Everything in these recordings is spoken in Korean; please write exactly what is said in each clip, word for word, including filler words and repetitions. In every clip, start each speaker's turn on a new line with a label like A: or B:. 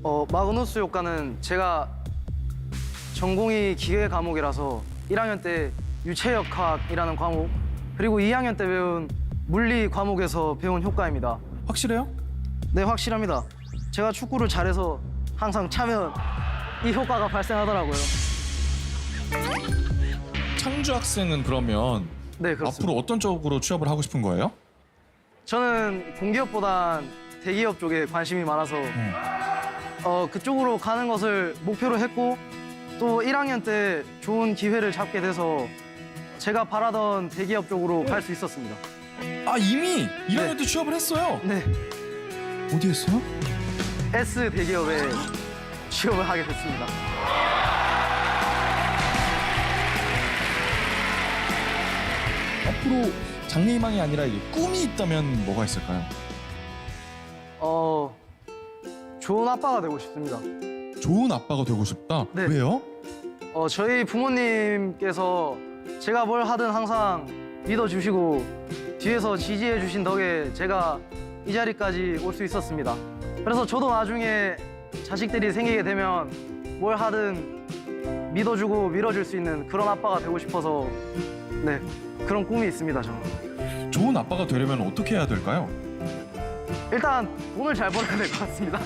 A: 어, 마그누스 효과는 제가 전공이 기계 과목이라서 일 학년 때 유체역학이라는 과목, 그리고 이 학년 때 배운 물리 과목에서 배운 효과입니다.
B: 확실해요?
A: 네, 확실합니다. 제가 축구를 잘해서 항상 차면 이 효과가 발생하더라고요.
B: 창주 학생은 그러면
A: 네, 그렇습니다.
B: 앞으로 어떤 쪽으로 취업을 하고 싶은 거예요?
A: 저는 공기업보단 대기업 쪽에 관심이 많아서
B: 음.
A: 어, 그쪽으로 가는 것을 목표로 했고, 또 일 학년 때 좋은 기회를 잡게 돼서 제가 바라던 대기업 쪽으로 갈 수 있었습니다.
B: 아 이미 일 학년 때 취업을 했어요?
A: 네,
B: 어디 했어요?
A: S 대기업에 취업을 하게 됐습니다.
B: 앞으로 장래희망이 아니라 이게 꿈이 있다면 뭐가 있을까요?
A: 어, 좋은 아빠가 되고 싶습니다.
B: 좋은 아빠가 되고 싶다?
A: 네.
B: 왜요?
A: 어, 저희 부모님께서 제가 뭘 하든 항상 믿어주시고 뒤에서 지지해주신 덕에 제가 이 자리까지 올 수 있었습니다. 그래서 저도 나중에 자식들이 생기게 되면 뭘 하든 믿어주고 밀어줄 수 있는 그런 아빠가 되고 싶어서 네, 그런 꿈이 있습니다, 저는.
B: 좋은 아빠가 되려면 어떻게 해야 될까요?
A: 일단 돈을 잘 벌어야 될 것 같습니다.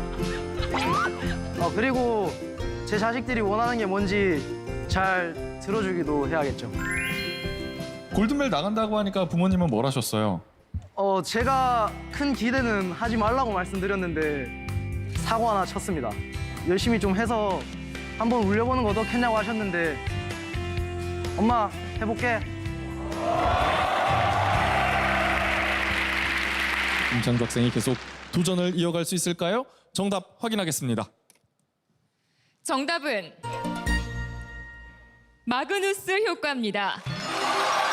A: 어, 그리고 제 자식들이 원하는 게 뭔지 잘 들어주기도 해야겠죠.
B: 골든벨 나간다고 하니까 부모님은 뭘 하셨어요?
A: 어, 제가 큰 기대는 하지 말라고 말씀드렸는데 사고 하나 쳤습니다. 열심히 좀 해서 한번 울려보는 거 어떻겠냐고 하셨는데 엄마, 해볼게.
B: 임창주 학생이 계속 도전을 이어갈 수 있을까요? 정답 확인하겠습니다.
C: 정답은 마그누스 효과입니다.